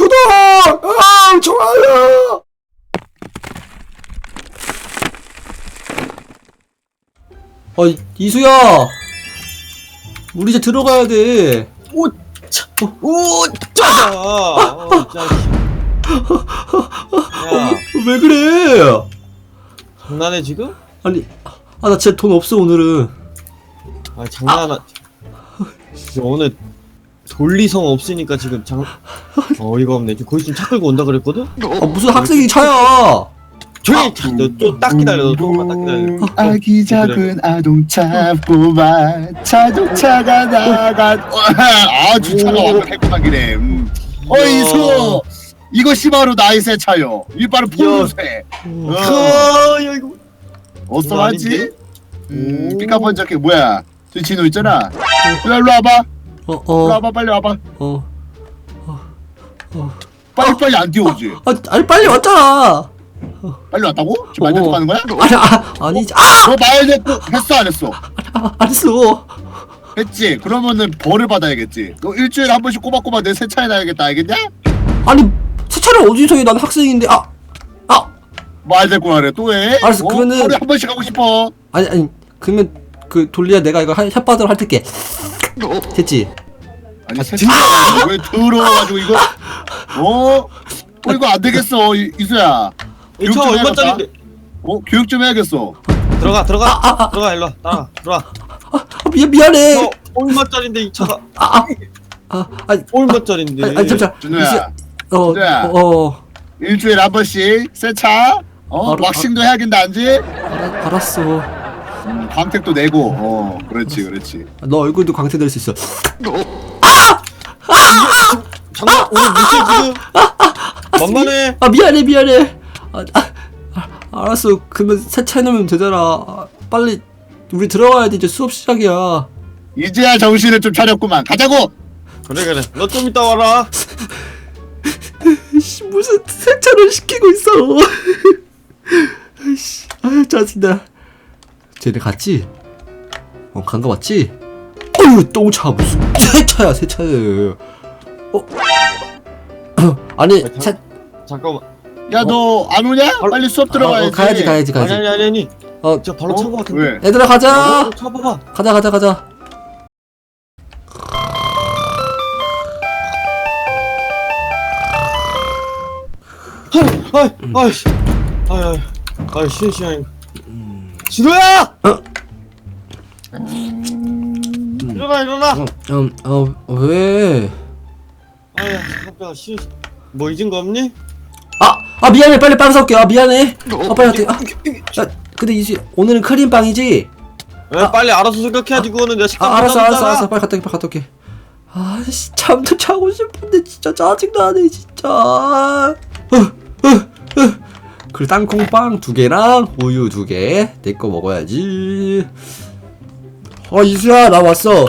구독! 좋아요! 이수야! 우리 이제 들어가야 돼. 오, 차, 오, 짜자. 자식. 야, 왜 그래? 장난해 지금? 아니, 나 진짜 돈 없어, 오늘은. 아, 장난하. 진짜 오늘 돌리성 없으니까 지금 어이가 없네. 지금 거의 좀 차 끌고 온다 그랬거든? 무슨 학생이 차야! 조용히 너또딱 기다려. 너 조금만 딱 기다려. 아기 작은 아동차 뽑아 자동차가 나가 주차가 완벽했구만 기래. 이수 이것이 바로 나의 새 차요. 이 바로 푸른색. 야, 이거 어떠하지? 오. 삐까번쩍해. 뭐야 저 진호 있잖아. 일로 와봐. 일로 와봐 빨리 와봐. 빨리 안 뛰어오지. 아니, 빨리 왔잖아! 빨리 왔다고? 지금 말 듣고 가는 거야? 아니지. 너 말 듣고 했어 안 했어? 안 했어. 했지? 그러면은 벌을 받아야겠지. 너 일주일에 한 번씩 꼬박꼬박 내 새 차에 놔야겠다 알겠냐? 아니, 세차를 어디서 해? 난 학생인데, 말 듣고 하래 또 해? 알았어, 그러면은- 하루에 한 번씩 하고 싶어. 아니, 그러면, 돌리야 내가 이거 혓바닥으로 핥을게. 됐지? 아니 새 차가 왜 더러워가지고 이거 이거 안 되겠어 이수야. 이 차 얼마짜린데? 교육 좀 해야겠어. 들어가. 들어가 일로 와. 따라. 들어와. 미안해. 너 얼마짜린데 이 차가? 아니, 얼마짜린데? 잠시만. 준호야. 이수야, 일주일에 한 번씩 새 차. 왁싱도 해야겠다 안지? 알았어. 광택도 내고. 그렇지. 너 얼굴도 광택될 수 있어. 장난 오늘 무슨 지금? 만만해. 미안해. 알았어. 그러면 세차해 놓으면 되잖아. 빨리 우리 들어가야 돼. 이제 수업 시작이야. 이제야 정신을 좀 차렸구만. 가자고. 그래. 너 좀 이따 와라. 무슨 세차를 시키고 있어. 짜증나. 쟤네 갔지? 간 거 맞지? 똥차 무슨 세차야. 아니 잠깐만. 야 너 안 오냐? 빨리 수업 들어가야지. 가야지. 아니. 저 발로 찬 거 같은데. 왜? 얘들아 가자. 차봐봐. 가자. 아이, 시원. 진호야! 일어나. 왜? 아야, 깜짝아, 뭐 잊은 거 없니? 미안해. 빨리 빵 사올게. 미안해. 빨리 할게. 근데 이제 오늘은 크림빵이지? 왜 빨리 알아서 생각해야지. 그거는 내가 식당 알았어. 빨리 갔다 올게. 잠도 자고 싶은데 진짜 짜증나네 진짜. 그리고 땅콩빵 2개랑 우유 2개 내 거 먹어야지. 이수야 나 왔어.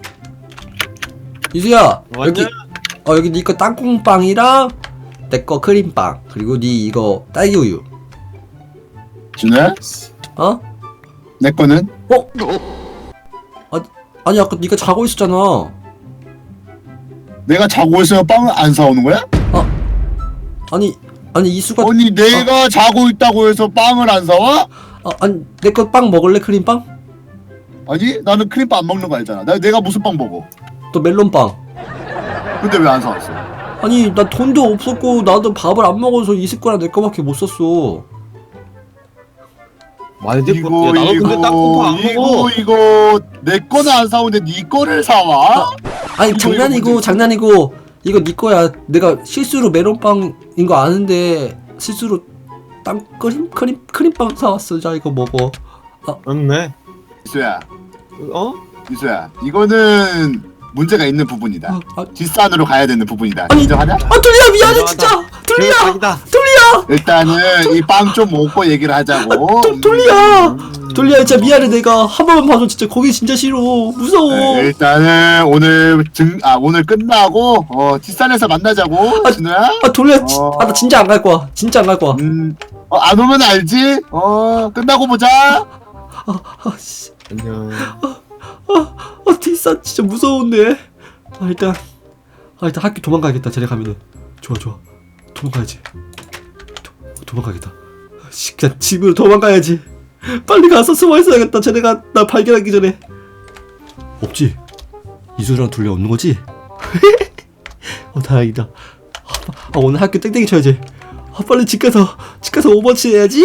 이수야 왔냐? 여기 네 거 땅콩빵이랑 내 거 크림빵 그리고 네 이거 딸기 우유. 준호야? 내 거는? 아니 아까 네가 자고 있었잖아. 내가 자고 있으면 빵을 안 사오는 거야? 아니 이수가 아니 내가 자고 있다고 해서 빵을 안 사와? 아니 내 거 빵 먹을래? 크림빵? 아니 나는 크림빵 안 먹는 거 알잖아. 내가 무슨 빵 먹어? 또 멜론빵. 근데 왜 안 사왔어? 아니 나 돈도 없었고 나도 밥을 안 먹어서 이수 거랑 내 거밖에 못 썼어. 많이 됐고. 야, 나도 근데 땅콩파 안 먹어. 이거 내 거는 안 사오는데 네 거를 사와? 아니 장난이고 이거 네 거야. 내가 실수로 멜론빵인 거 아는데 실수로 크림빵 사왔어. 자 이거 먹어. 맞네. 이수야 어? 이수야 이거는 문제가 있는 부분이다. 뒷산으로 가야 되는 부분이다. 인정하냐? 둘리야 미안해 진짜. 둘리야 일단은 이 빵 좀 먹고 얘기를 하자고. 둘리야 진짜 미안해. 내가 한 번만 봐줘. 진짜 거기 진짜 싫어. 무서워. 일단은 오늘 끝나고 뒷산에서 만나자고. 진우야. 둘리야 나 진짜 안 갈 거야. 안 오면 알지? 끝나고 보자. 안녕. 뒷산 진짜 무서운데. 일단 학교 도망가야겠다. 쟤네 가면은. 좋아 좋아. 도망가야지. 도망가겠다. 그냥 집으로 도망가야지. 빨리 가서 숨어 있어야겠다. 쟤네가 나 발견하기 전에. 없지? 이수랑 둘리 없는 거지? 다행이다. 오늘 학교 땡땡이 쳐야지. 빨리 집 가서 오버워치 해야지.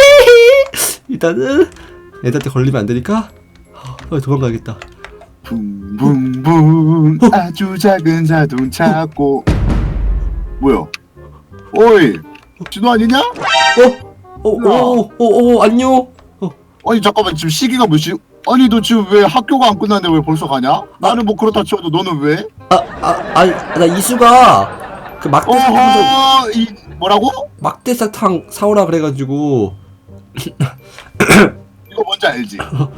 일단은 애들한테 걸리면 안 되니까 빨리 도망가야겠다. 붕붕붕 아주 작은 자동차고. 뭐야? 어이, 진호 아니냐? 안녕. 아니 잠깐만, 지금 시기가 몇 시? 아니 너 지금 왜 학교가 안 끝났는데 왜 벌써 가냐? 나는 뭐 그렇다 치워도 너는 왜? 나 이수가 그 막대사탕 어허, 이 뭐라고? 막대사탕 사오라 그래가지고. 이거 뭔지 알지?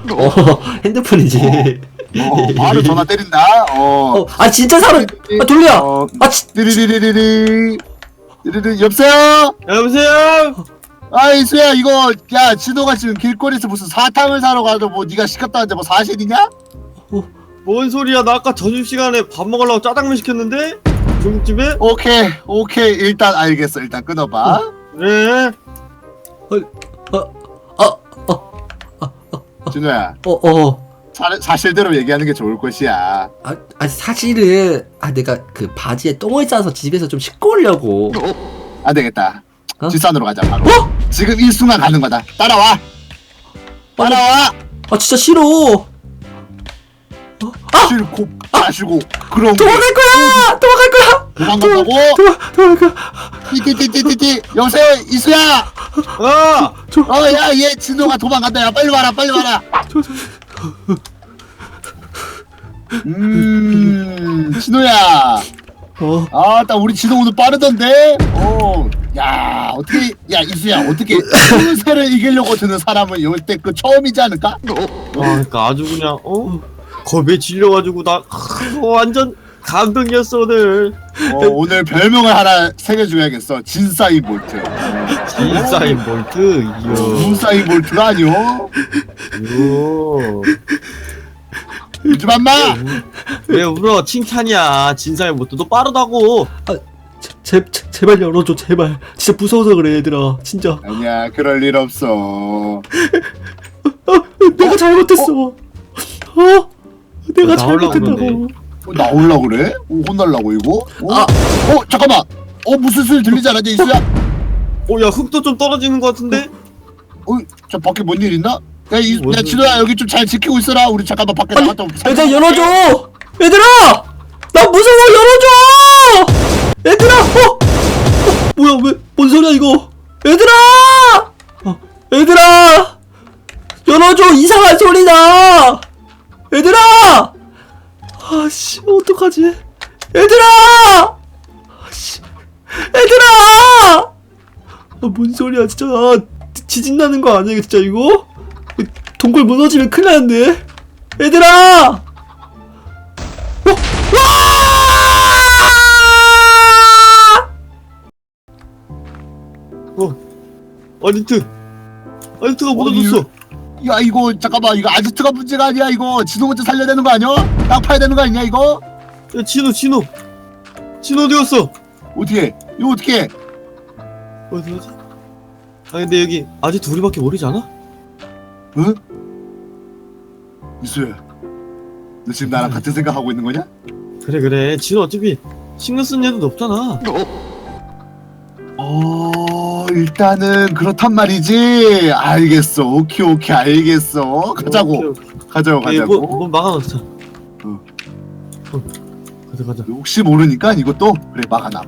핸드폰이지. 바로 전화 때린다. 진짜 사러. 돌려. 띠리리리리리. 여보세요? 여보세요? 이수야, 이거 야 진호가 지금 길거리에서 무슨 사탕을 사러 가도 뭐 네가 시켰다는데 뭐 사실이냐? 뭔 소리야? 나 아까 점심시간에 밥 먹으려고 짜장면 시켰는데? 중국집에? 오케이, 일단 알겠어. 일단 끊어봐. 그래. 진호야, 사실대로 얘기하는 게 좋을 것이야. 사실은 내가 그 바지에 똥을 싸서 집에서 좀 씻고 오려고. 안 되겠다. 어? 뒷산으로 가자 바로. 지금 이 순간 가는 거다. 따라와. 진짜 싫어. 싫고 마시고 그런 거. 도망갈 거야. 도망간다고? 도망갈 거야. 띠띠띠띠띠. 여보세요, 이수야. 야, 얘 진호가 도망간다. 야, 빨리 와라. 진호야. 나 우리 진호 오늘 빠르던데. 야, 어떻게, 야 이수야, 어떻게 새를 이기려고 드는 사람은 이때 그 처음이지 않을까? 그러니까 아주 그냥 겁에 질려가지고 나 완전 감동이었어 오늘. 오늘 별명을 하나 새겨줘야겠어. 진사이 볼트. 진사인 볼트. 이야. 진사이 볼트가 아니오. 울지 맘마. 왜 울어? 칭찬이야. 진사인 볼트. 너 빠르다고. 제발 열어줘, 제발. 진짜 무서워서 그래, 얘들아. 진짜. 아니야, 그럴 일 없어. 내가 잘못했어. 내가 나오려고 잘못했다고. 나올라 그래? 혼날라고 이거? 잠깐만. 무슨 소리 들리지 않았냐, 이수야? 야, 흙도 좀 떨어지는 것 같은데? 저 밖에 뭔 일 있나? 야, 뭔 진호야, 여기 좀 잘 지키고 있어라. 우리 잠깐만 밖에 나갔다 올게. 얘들아, 열어줘! 얘들아! 나 무서워, 열어줘! 얘들아! 뭐야, 뭔 소리야, 이거? 얘들아! 얘들아! 열어줘! 이상한 소리 나! 얘들아! 어떡하지? 얘들아! 얘들아! 뭔 소리야, 진짜. 지진 나는 거 아니야, 진짜, 이거? 동굴 무너지면 큰일 나는데? 얘들아! 아지트가 무너졌어. 야, 이거 잠깐만, 이거 아지트가 문제가 아니야. 이거 진호 먼저 살려야 되는 거 아니야? 땅 파야 되는 거 아니야 이거? 야, 진호 어디 갔어? 어떻게? 이거 어떻게? 어디 가지? 근데 여기 아지트 우리밖에 모르지 않아? 응? 이수야, 너 지금 나랑 같은 생각하고 있는 거냐? 그래. 진호 어차피 신경 쓴 애도 없잖아. 일단은 그렇단 말이지. 알겠어. 오케이, 알겠어. 가자고. 가자고. 뭐 막아놓자. 가자. 혹시 모르니까 이것도 그래, 막아놔.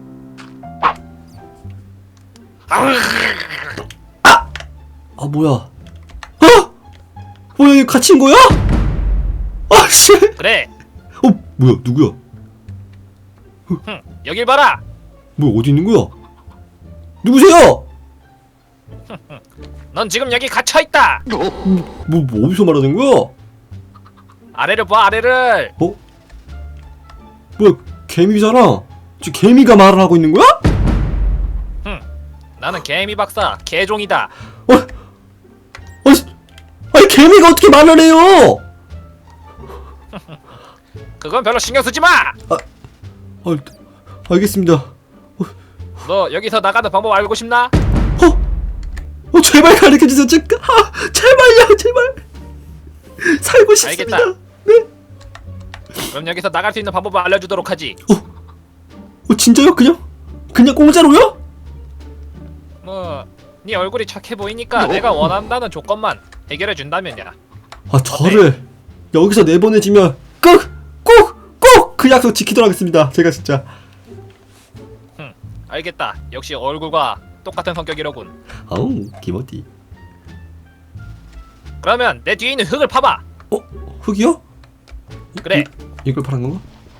뭐야? 뭐야, 이거 갇힌 거야? 씨. 그래. 뭐야, 누구야? 여길 봐라. 뭐야, 어디 있는 거야? 누구세요? 넌 지금 여기 갇혀 있다. 뭐 어디서 말하는 거야? 아래를 봐, 아래를. 뭐야, 개미잖아. 지금 개미가 말을 하고 있는 거야? 나는 개미 박사, 개종이다. 아니, 개미가 어떻게 말을 해요? 그건 별로 신경 쓰지 마. 알겠습니다. 너 여기서 나가는 방법 알고 싶나? 제발 가르쳐주세요. 제발요, 제발. 살고 싶습니다. 알겠다. 네. 그럼 여기서 나갈 수 있는 방법을 알려주도록 하지. 진짜요? 그냥 공짜로요? 뭐, 네 얼굴이 착해 보이니까 내가 원한다는 조건만 해결해 준다면야. 저를 여기서 내보내주면 꼭 그 약속 지키도록 하겠습니다. 제가 진짜. 알겠다. 역시 얼굴과 똑같은 성격이로군. 아우, 기모티. 그러면 내 뒤에 있는 흙을 파봐. 흙이요? 그래. 이걸 파는 건가?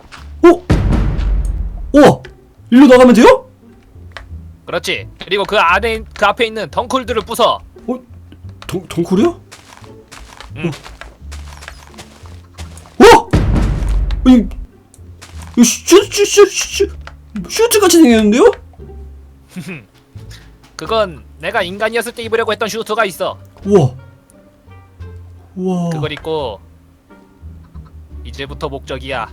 우와! 일로 나가면 돼요? 그렇지. 그리고 그 앞에 있는 덩굴들을 부숴. 덩굴이요? 응. 이거 슈트 같이 생겼는데요? 그건 내가 인간이었을 때 입으려고 했던 슈트가 있어. 우와. 그걸 입고 이제부터 목적이야.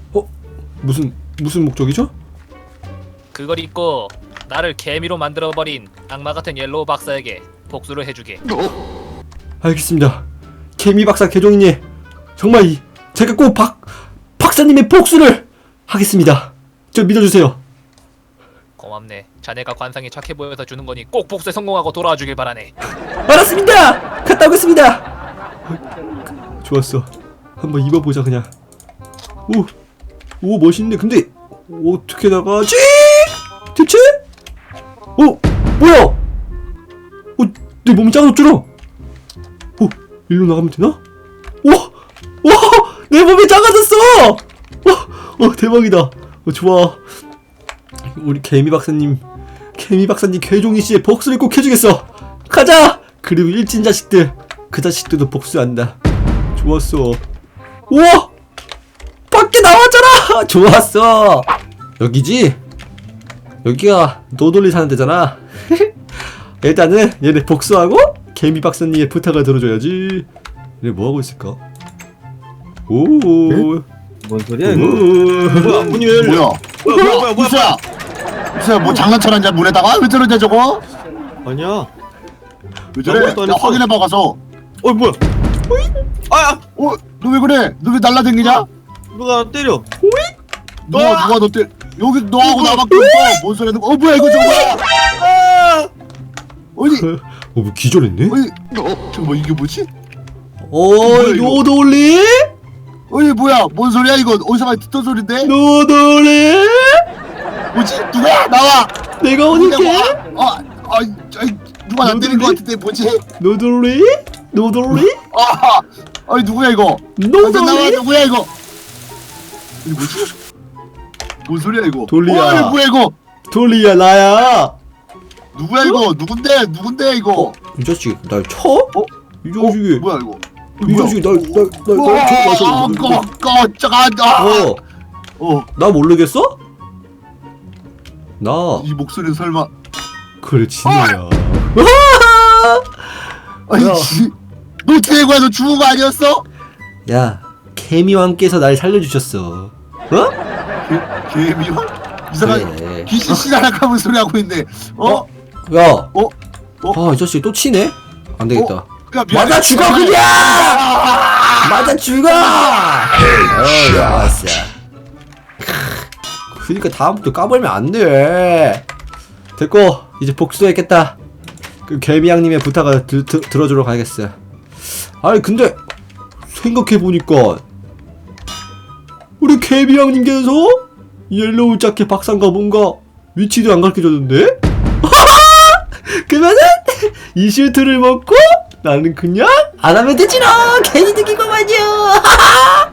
무슨 목적이죠? 그걸 입고 나를 개미로 만들어버린 악마 같은 옐로우 박사에게 복수를 해주게. 알겠습니다. 개미 박사 개종이님, 정말 제가 꼭 박사님의 복수를 하겠습니다. 저 믿어주세요. 고맙네. 자네가 관상이 착해 보여서 주는 거니 꼭 복수에 성공하고 돌아와 주길 바라네. 알았습니다. 갔다 오겠습니다. 좋았어. 한번 입어보자 그냥. 오 멋있네. 근데 어떻게 나가지? 대체? 뭐야? 내 몸이 작아졌잖아. 일로 나가면 되나? 와, 내 몸이 작아졌어. 대박이다. 좋아. 우리 개미 박사님 개종이 씨의 복수를 꼭 해주겠어. 가자. 그리고 일진 자식들, 그 자식들도 복수한다. 좋았어. 우와, 밖에 나왔잖아. 좋았어. 여기지? 여기가 노돌리 사는 데잖아. 일단은 얘네 복수하고 개미 박사님의 부탁을 들어줘야지. 얘네 뭐 하고 있을까? 뭔 소리야 이거? 뭐야 문이 왜 열려? 뭐야 이수야 뭐 장난쳐놨냐 문에다가? 왜 저러냐 저거? 아니야. 왜 저래? 아무것도 안 야 했어. 확인해봐 가서. 뭐야? 아! 너 왜 그래? 너 왜 날라댕기냐? 누가 나 때려? 누가 너 때? 여기 너하고 나밖에 없어. 뭔 소리야? 뭐야 이거 저거 뭐야? 어디? 뭐 기절했네? 저거 뭐 이게 뭐지? 이거? 노돌리? 뭐야? 뭔 소리야 이거? 어디서 많이 듣던 소린데? 노돌리? 뭐지? 누구야? 나와! 내가 어딜게? 누가 나 때린 것 같은데 뭐지? 노돌리? 누구야 이거? 노돌리? 나와 누구야 이거? 이거 뭐지? 뭔 소리야 이거? 돌리야. 뭐야 이거? 돌리야 나야. 누구야 이거? 누군데 이거? 이 자식 날 쳐? 이 자식이 뭐야 이거? 이 자식이 날 나 모르겠어? 나 이 목소리는 설마? 그래 진우야. 아니 야. 너 대구야 너 죽은 거 아니었어? 야, 개미왕께서 날 살려주셨어. 개미왕? 이상한 그래. 귀신 씨나락하면 소리 하고 있네. 야, 어? 이 자식 또 치네? 안 되겠다. 야, 미안해. 맞아 죽어 그냥! 맞아 죽어! 좋았어. 그니까 다음부터 까불면 안 돼. 됐고 이제 복수했겠다. 그 개미양님의 부탁을 들어주러 가야겠어. 아니 근데 생각해보니까 우리 개미양님께서 옐로우 자켓 박사인가 뭔가 위치도 안 가르쳐줬는데? 그러면은 이 슈트를 먹고 나는 그냥 안 하면 되지롱. 괜히 느낀 거 마죠.